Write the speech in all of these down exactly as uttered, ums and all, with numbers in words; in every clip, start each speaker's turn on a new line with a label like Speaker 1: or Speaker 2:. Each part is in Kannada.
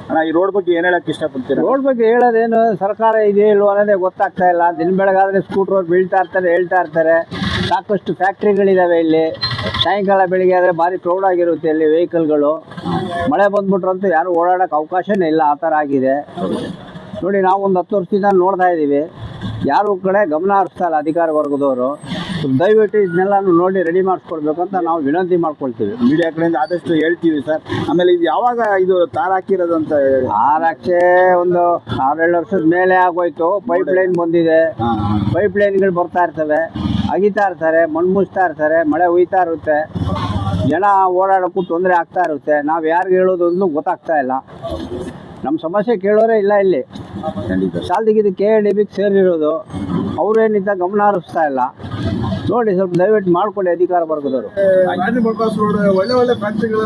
Speaker 1: ಅಣ್ಣ ಈ ರೋಡ್ ಬಗ್ಗೆ ಏನ್ ಹೇಳಕ್ ಇಷ್ಟಪಡ್ತೀರಾ?
Speaker 2: ರೋಡ್ ಬಗ್ಗೆ ಹೇಳೋದೇನು, ಸರ್ಕಾರ ಇದೆ ಇಲ್ವೋ ಅನ್ನೋದೇ ಗೊತ್ತಾಗ್ತಾ ಇಲ್ಲ. ದಿನ ಬೆಳಗಾದ್ರೆ ಸ್ಕೂಟ್ರ್ ಬೀಳ್ತಾ ಇರ್ತಾರೆ, ಹೇಳ್ತಾ ಇರ್ತಾರೆ. ಸಾಕಷ್ಟು ಫ್ಯಾಕ್ಟ್ರಿಗಳಿದ್ದಾವೆ ಇಲ್ಲಿ. ಸಾಯಂಕಾಲ ಬೆಳಿಗ್ಗೆ ಆದರೆ ಭಾರಿ ಕ್ರೌಡ್ ಆಗಿರುತ್ತೆ ಇಲ್ಲಿ ವೆಹಿಕಲ್ಗಳು. ಮಳೆ ಬಂದ್ಬಿಟ್ರಂತೂ ಯಾರು ಓಡಾಡೋಕ್ಕೆ ಅವಕಾಶನೇ ಇಲ್ಲ, ಆ ಥರ ಆಗಿದೆ ನೋಡಿ. ನಾವು ಒಂದು ಹತ್ತು ವರ್ಷದಿಂದ ನೋಡ್ತಾ ಇದ್ದೀವಿ, ಯಾರು ಕಡೆ ಗಮನ ಹರಿಸ್ತಾ ಇಲ್ಲ ಅಧಿಕಾರ ವರ್ಗದವರು. ದಯವಿಟ್ಟು ಇದನ್ನೆಲ್ಲ ನೋಡಿ ರೆಡಿ ಮಾಡಿಸ್ಕೊಡ್ಬೇಕು ಅಂತ ನಾವು ವಿನಂತಿ ಮಾಡ್ಕೊಳ್ತೀವಿ.
Speaker 1: ಮೀಡಿಯಾ ಕಡೆಯಿಂದ ಆದಷ್ಟು ಹೇಳ್ತೀವಿ ಸರ್. ಆಮೇಲೆ ಇದು ಯಾವಾಗ ಇದು ತಾರ್ ಹಾಕಿರೋದು ಅಂತ ಹೇಳಿ?
Speaker 2: ಆರಾಕ್ಷೆ ಒಂದು ಆರೇಳು ವರ್ಷದ ಮೇಲೆ ಆಗೋಯ್ತು. ಪೈಪ್ ಲೈನ್ ಬಂದಿದೆ, ಪೈಪ್ ಲೈನ್ಗಳು ಬರ್ತಾ ಇರ್ತವೆ, ಅಗಿತಾ ಇರ್ತಾರೆ, ಮಣ್ಣು ಮುಚ್ತಾ ಇರ್ತಾರೆ, ಮಳೆ ಹುಯ್ತಾ ಇರುತ್ತೆ, ಜನ ಓಡಾಡೋಕ್ಕೂ ತೊಂದರೆ ಆಗ್ತಾ ಇರುತ್ತೆ. ನಾವು ಯಾರಿಗೆ ಹೇಳೋದು ಅಂತ ಗೊತ್ತಾಗ್ತಾ ಇಲ್ಲ. ನಮ್ಮ ಸಮಸ್ಯೆ ಕೇಳೋರೇ ಇಲ್ಲ ಇಲ್ಲಿ. ಶಾಲ್ದಿಗಿದ್ದು ಕೆ ಎ ಡಿ ಬಿಗೆ ಸೇರಿರೋದು, ಅವರೇನಿಂದ ಗಮನ ಹರಿಸ್ತಾ ಇಲ್ಲ. ನೋಡಿ ಸ್ವಲ್ಪ ದಯವಿಟ್ಟು ಮಾಡ್ಕೊಳ್ಳಿ ಅಧಿಕಾರ ವರ್ಗದವರು.
Speaker 1: ಒಳ್ಳೆ ಒಳ್ಳೆ ಫ್ಯಾಕ್ಟ್ರಿಗಳು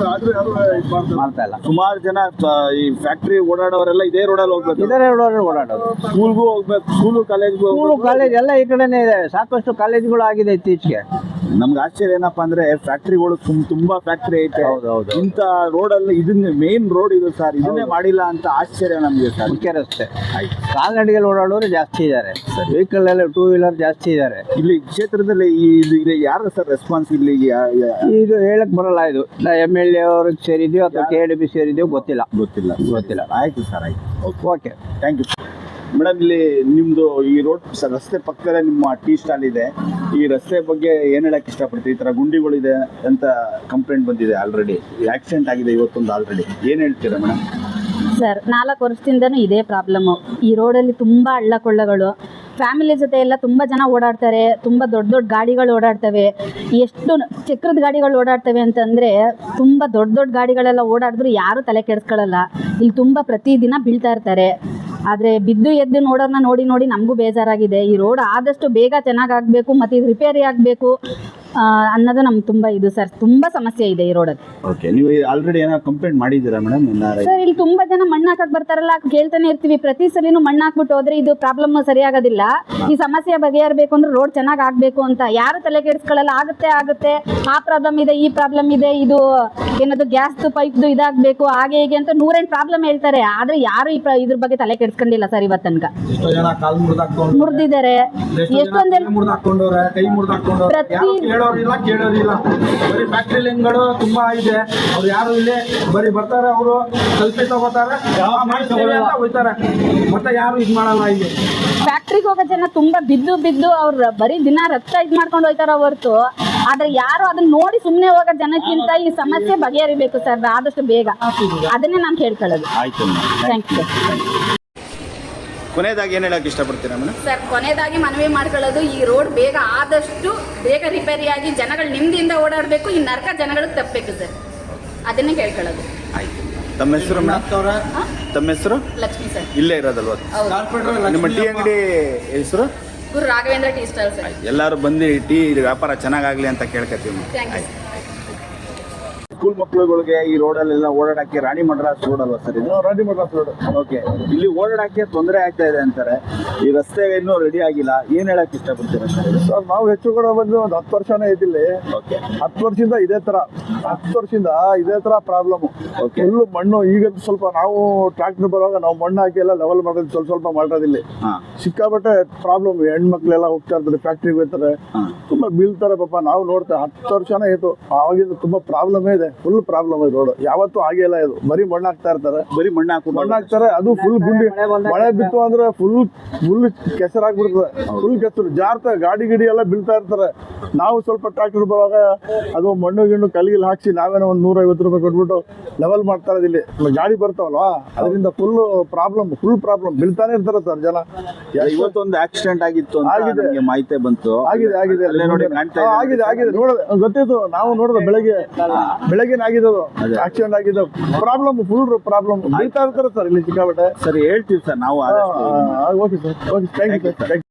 Speaker 2: ಮಾಡ್ತಾ ಇಲ್ಲ.
Speaker 1: ಸುಮಾರು ಜನ ಈ ಫ್ಯಾಕ್ಟ್ರಿ ಓಡಾಡೋರೆಲ್ಲ ಇದೇ ರೋಡಲ್ಲಿ ಹೋಗ್ಬೇಕು,
Speaker 2: ಇದೇ ರೋಡಲ್ಲಿ ಓಡಾಡೋದು.
Speaker 1: ಸ್ಕೂಲ್ಗೂ ಹೋಗ್ಬೇಕು, ಸ್ಕೂಲು ಕಾಲೇಜ್ಗೂ
Speaker 2: ಸ್ಕೂಲು ಕಾಲೇಜ್ ಎಲ್ಲ ಈ ಕಡೆನೇ ಇದೆ. ಸಾಕಷ್ಟು ಕಾಲೇಜ್ಗಳು ಆಗಿದೆ ಇತ್ತೀಚೆಗೆ.
Speaker 1: ನಮ್ಗೆ ಆಶ್ಚರ್ಯ ಏನಪ್ಪಾ ಅಂದ್ರೆ ಫ್ಯಾಕ್ಟ್ರಿಗಳು ತುಂಬಾ ಫ್ಯಾಕ್ಟ್ರಿ ಐತೆ.
Speaker 2: ಹೌದೌದು.
Speaker 1: ಇಂಥ ರೋಡಲ್ಲಿ ಇದನ್ನ ಮೇನ್ ರೋಡ್ ಇದು ಸರ್, ಇದನ್ನೇ ಮಾಡಿಲ್ಲ ಅಂತ ಆಶ್ಚರ್ಯ ನಮ್ಗೆ ಸರ್.
Speaker 2: ಮುಖ್ಯ ರಸ್ತೆ ಕಾಲ್ನಡಿಗೆಯಲ್ಲಿ ಓಡಾಡೋರು ಜಾಸ್ತಿ ಇದ್ದಾರೆ, ವೆಹಿಕಲ್ ಎಲ್ಲ ಟೂ ವೀಲರ್ ಜಾಸ್ತಿ ಇದ್ದಾರೆ
Speaker 1: ಇಲ್ಲಿ ಕ್ಷೇತ್ರದಲ್ಲಿ. ಇದು ಯಾರು ಸರ್ ರೆಸ್ಪಾನ್ಸ್ ಇಲ್ಲಿ?
Speaker 2: ಇದು ಹೇಳಕ್ ಬರಲ್ಲ. ಇದು ಎಮ್ ಎಲ್ ಎ ಅವ್ರಿಗೆ ಸೇರಿದೀವಿ ಅಥವಾ ಕೆ ಡಿ ಬಿ ಸೇರಿದೀವಿ ಗೊತ್ತಿಲ್ಲ
Speaker 1: ಗೊತ್ತಿಲ್ಲ
Speaker 2: ಗೊತ್ತಿಲ್ಲ
Speaker 1: ಆಯ್ತು ಸರ್, ಆಯ್ತು,
Speaker 2: ಓಕೆ,
Speaker 1: ಥ್ಯಾಂಕ್ ಯು. ಮೇಡಮ್, ಇಲ್ಲಿ ನಿಮ್ದು ಈ ರೋಡ್ ರಸ್ತೆ ಪಕ್ಕದಲ್ಲೇ ನಿಮ್ಮ ಟೀ ಸ್ಟಾಲ್ ಇದೆ. ಈ ರಸ್ತೆ ಬಗ್ಗೆ ಏನ್ ಹೇಳಕ್ ಇಷ್ಟಪಡ್ತೀವಿ? ಈ ತರ ಗುಂಡಿಗಳಿದೆ ಅಂತ ಕಂಪ್ಲೇಂಟ್ ಬಂದಿದೆ, ಆಲ್ರೆಡಿ ಆಕ್ಸಿಡೆಂಟ್ ಆಗಿದೆ ಇವತ್ತೊಂದು ಆಲ್ರೆಡಿ. ಏನ್ ಹೇಳ್ತೀರಾ ಮೇಡಮ್?
Speaker 3: ಸರ್, ನಾಲ್ಕು ವರ್ಷದಿಂದನೂ ಇದೇ ಪ್ರಾಬ್ಲಮ್ಮು. ಈ ರೋಡಲ್ಲಿ ತುಂಬ ಹಳ್ಳ ಕೊಳ್ಳಗಳು, ಫ್ಯಾಮಿಲಿ ಜೊತೆ ಎಲ್ಲ ತುಂಬ ಜನ ಓಡಾಡ್ತಾರೆ, ತುಂಬ ದೊಡ್ಡ ದೊಡ್ಡ ಗಾಡಿಗಳು ಓಡಾಡ್ತವೆ. ಎಷ್ಟು ಚಕ್ರದ ಗಾಡಿಗಳು ಓಡಾಡ್ತವೆ ಅಂತಂದರೆ ತುಂಬ ದೊಡ್ಡ ದೊಡ್ಡ ಗಾಡಿಗಳೆಲ್ಲ ಓಡಾಡಿದ್ರು ಯಾರೂ ತಲೆ ಕೆಡಿಸ್ಕೊಳ್ಳಲ್ಲ. ಇಲ್ಲಿ ತುಂಬ ಪ್ರತಿದಿನ ಬೀಳ್ತಾ ಇರ್ತಾರೆ. ಆದರೆ ಬಿದ್ದು ಎದ್ದು ನೋಡೋರನ್ನ ನೋಡಿ ನೋಡಿ ನಮಗೂ ಬೇಜಾರಾಗಿದೆ. ಈ ರೋಡ್ ಆದಷ್ಟು ಬೇಗ ಚೆನ್ನಾಗಾಗಬೇಕು ಮತ್ತು ಇದು ರಿಪೇರಿ ಆಗಬೇಕು ಅನ್ನೋದು ನಮ್ಗೆ ತುಂಬ ಇದು ಸರ್. ತುಂಬ ಸಮಸ್ಯೆ ಇದೆ ಈ ರೋಡಲ್ಲಿ.
Speaker 1: ಓಕೆ, ನೀವು ಆಲ್ರೆಡಿ ಏನೋ ಕಂಪ್ಲೇಂಟ್ ಮಾಡಿದ್ದೀರಾ ಮೇಡಮ್?
Speaker 3: ಸರ್, ಇಲ್ಲಿ ತುಂಬ ಜನ ಮಣ್ಣು ಹಾಕಕ್ಕೆ ಬರ್ತಾರಲ್ಲ, ಕೇಳ್ತಾನೆ ಇರ್ತೀವಿ. ಪ್ರತಿ ಸಲಿನೂ ಮಣ್ಣು ಹಾಕ್ಬಿಟ್ಟು ಹೋದ್ರೆ ಇದು ಪ್ರಾಬ್ಲಮ್ ಸರಿಯಾಗೋದಿಲ್ಲ. ಈ ಸಮಸ್ಯೆ ಬಗೆಹರಬೇಕು ಅಂದ್ರೆ ರೋಡ್ ಚೆನ್ನಾಗಿ ಆಗಬೇಕು ಅಂತ ಯಾರು ತಲೆ ಕೆಡಿಸ್ಕೊಳ್ಳಲ್ಲ. ಆಗುತ್ತೆ ಆಗುತ್ತೆ ಆ ಪ್ರಾಬ್ಲಮ್ ಇದೆ, ಈ ಪ್ರಾಬ್ಲಮ್ ಇದೆ, ಇದು ಏನದು ಗ್ಯಾಸ್ದು ಪೈಪ್ದು ಇದಾಗಬೇಕು, ಹಾಗೆ ಹೀಗೆ ಅಂತ ನೂರೆಂಟು ಪ್ರಾಬ್ಲಮ್ ಹೇಳ್ತಾರೆ. ಆದರೆ ಯಾರು ಈ ಇದ್ರ ಬಗ್ಗೆ ತಲೆ ಕೆಡಿಸ್ಕೊಂಡಿಲ್ಲ ಸರ್ ಇವತ್ತು ತನಕ. ಮುರಿದಿದ್ದಾರೆ ಎಷ್ಟೊಂದೆಲ್ಲ ಪ್ರತಿ
Speaker 4: ಕೇಳೋರಿಲ್ಲ ಕೇಳೋರಿಲ್ಲ ಬರೀ ಫ್ಯಾಕ್ಟ್ರಿ ಲೈನ್ಗಳು ತುಂಬಾ ಇದೆ. ಅವ್ರು ಯಾರು ಇಲ್ಲಿ ಬರೀ ಬರ್ತಾರೆ, ಅವರು ಸೆಲ್ಫಿ ತಗೋತಾರೆ, ಅಂತ ಹೋಗ್ತಾರೆ, ಮತ್ತೆ ಯಾರು ಇದು ಮಾಡಲ್ಲ. ಇಲ್ಲಿ
Speaker 3: ಫ್ಯಾಕ್ಟ್ರಿಗೆ ಹೋಗೋ ಜನ ತುಂಬಾ ಬಿದ್ದು ಬಿದ್ದು ಅವ್ರು ಬರೀ ದಿನ ರಕ್ತ ಇದು ಮಾಡ್ಕೊಂಡು ಹೋಗ್ತಾರ ಹೊರತು, ಆದ್ರೆ ಯಾರು ಅದನ್ನ ನೋಡಿ ಸುಮ್ಮನೆ ಹೋಗೋ ಜನಕ್ಕಿಂತ ಈ ಸಮಸ್ಯೆ ಬಗೆಹರಿಬೇಕು ಸರ್ ಆದಷ್ಟು ಬೇಗ. ಅದನ್ನೇ ನಾನು ಕೇಳ್ಕೊಳ್ಳೋದು. Thank you sir.
Speaker 1: ಕೊನೆಯದಾಗಿ ಏನು ಹೇಳಕ್ಕೆ ಇಷ್ಟಪಡ್ತೀರಾ ಮೇಡಮ್?
Speaker 3: ಸರ್, ಕೊನೆಯದಾಗಿ ಮನವಿ ಮಾಡ್ಕೊಳ್ಳೋದು, ಈ ರೋಡ್ ಬೇಗ ಆದಷ್ಟು ಬೇಗ ರಿಪೇರಿಯಾಗಿ ಜನಗಳು ನೆಮ್ಮದಿಯಿಂದ ಓಡಾಡಬೇಕು. ಈ ನರಕ ಜನಗಳಿಗೆ ತಪ್ಪಬೇಕು ಸರ್, ಅದನ್ನೇ ಕೇಳ್ಕೊಳ್ಳೋದು.
Speaker 1: ಆಯ್ತು. ತಮ್ಮ ಹೆಸರು ಮೇಡಮ್? ತಮ್ಮ ಹೆಸರು?
Speaker 3: ಲಕ್ಷ್ಮಿ ಸರ್.
Speaker 1: ಇಲ್ಲೇ ಇರೋದಲ್ವ ನಿಮ್ಮ ಟೀ ಅಂಗಡಿ ಹೆಸರು?
Speaker 3: Guru Raghavendra tea stall sir.
Speaker 1: ಎಲ್ಲರೂ ಬಂದು ಟೀ ವ್ಯಾಪಾರ ಚೆನ್ನಾಗಾಗಲಿ ಅಂತ ಕೇಳ್ಕೊತೀವಿ.
Speaker 3: Thank you.
Speaker 1: ಸ್ಕೂಲ್ ಮಕ್ಕಳುಗಳಿಗೆ ಈ ರೋಡಲ್ಲೆಲ್ಲ ಓಡಾಡಕ್ಕೆ ರಾಣಿ ಮಡ್ರಾಸ್ ರೋಡ್ ಅಲ್ವಾ ಸರ್ ಇದು?
Speaker 4: ರಾಣಿ ಮಡ್ರಾಸ್ ರೋಡ್.
Speaker 1: ಓಕೆ, ಇಲ್ಲಿ ಓಡಾಡಕ್ಕೆ ತೊಂದರೆ ಆಗ್ತಾ ಇದೆ ಅಂತಾರೆ. ಈ ರಸ್ತೆ ಇನ್ನೂ ರೆಡಿ ಆಗಿಲ್ಲ, ಏನ್ ಹೇಳಕ್ ಇಷ್ಟಪಡ್ತೀರಾ ಸರ್?
Speaker 4: ಸರ್, ನಾವು ಹೆಚ್ಚು ಕೂಡ ಬಂದು ಒಂದು ಹತ್ತು ವರ್ಷನೇ ಇದಿಲ್ಲಿ.
Speaker 1: ಓಕೆ,
Speaker 4: ಹತ್ತು ವರ್ಷದಿಂದ ಇದೇ ತರ ಹತ್ತು ವರ್ಷದಿಂದ ಇದೇ ತರ ಪ್ರಾಬ್ಲಮ್.
Speaker 1: ಓಕೆ,
Speaker 4: ಫುಲ್ಲು ಮಣ್ಣು. ಈಗ ಸ್ವಲ್ಪ ನಾವು ಟ್ರಾಕ್ಟರ್ ಬರುವಾಗ ನಾವು ಮಣ್ಣು ಹಾಕಿ ಎಲ್ಲ ಲೆವೆಲ್ ಮಾಡೋದು ಸ್ವಲ್ಪ ಸ್ವಲ್ಪ ಮಾಡೋದಿಲ್ಲ. ಸಿಕ್ಕಾಬಟ್ಟೆ ಪ್ರಾಬ್ಲಮ್. ಹೆಣ್ಮಕ್ಳೆಲ್ಲ ಹೋಗ್ತಾ ಇರ್ತಾರೆ, ಫ್ಯಾಕ್ಟ್ರಿಗೆ ಹೋಗ್ತಾರೆ, ತುಂಬಾ ಬೀಳ್ತಾರೆ ಪಾಪ. ನಾವು ನೋಡ್ತೇವೆ ಹತ್ತು ವರ್ಷನೇ ಆಯ್ತು, ಆವಾಗಿಂದ ತುಂಬಾ ಪ್ರಾಬ್ಲಮೇ ಇದೆ. ಫುಲ್ ಪ್ರಾಬ್ಲಮ್ ಇದೆ ರೋಡ್. ಯಾವತ್ತೂ ಆಗೇ ಇಲ್ಲ ಇದು. ಬರೀ ಮಣ್ಣು ಹಾಕ್ತಾ ಇರ್ತಾರೆ,
Speaker 1: ಬರೀ ಮಣ್ಣು ಹಾಕಿ
Speaker 4: ಮಣ್ಣು ಹಾಕ್ತಾರೆ. ಅದು ಫುಲ್ ಗುಂಡಿ. ಮಳೆ ಬಿತ್ತು ಅಂದ್ರೆ ಫುಲ್ ಫುಲ್ ಕೆಸರಾಗ್ಬಿಡ್ತದೆ. ಫುಲ್ ಕೆಸರು ಜಾರ್ತಾ ಗಾಡಿ ಗಿಡಿ ಎಲ್ಲ ಬೀಳ್ತಾ ಇರ್ತಾರೆ. ನಾವು ಸ್ವಲ್ಪ ಟ್ರಾಕ್ಟರ್ ಬರುವಾಗ ಅದು ಮಣ್ಣು ಗಿಣ್ಣು ಕಲ್ಲಿಗೆ ಹಾಕ್ಸಿ ನಾವೇನೋ ಒಂದು ನೂರ ಐವತ್ತು ರೂಪಾಯಿ ಕೊಟ್ಬಿಟ್ಟು ಲೆವೆಲ್ ಮಾಡ್ತಾ ಇರೋದು. ಇಲ್ಲಿ ಗಾಡಿ ಬರ್ತಾವಲ್ವಾ, ಅದರಿಂದ ಫುಲ್ ಪ್ರಾಬ್ಲಮ್ ಫುಲ್ ಪ್ರಾಬ್ಲಮ್. ಬೀಳ್ತಾನೆ ಇರ್ತಾರೆ ಸರ್ ಜನ.
Speaker 1: ಇವತ್ತೊಂದು ಆಕ್ಸಿಡೆಂಟ್ ಆಗಿತ್ತು, ಆಗಿದೆ, ಮಾಹಿತಿ ಬಂತು.
Speaker 4: ಆಗಿದೆ ಆಗಿದೆ ಆಗಿದೆ ಆಗಿದೆ ನೋಡ ಗೊತ್ತಿತ್ತು. ನಾವು ನೋಡಿದ ಬೆಳಗ್ಗೆ ಬೆಳಗ್ಗೆ ಆಗಿದೆ ಅದು ಆಕ್ಸಿಡೆಂಟ್ ಆಗಿದೆ. Problem full problem. ಬೀಳ್ತಾ ಇರ್ತಾರೆ ಸರ್ ಇಲ್ಲಿ ಸಿಕ್ಕಾಬಟ್ಟೆ.
Speaker 1: ಸರಿ, ಹೇಳ್ತೀವಿ ಸರ್ ನಾವು.
Speaker 4: Okay sir, okay, thank you sir.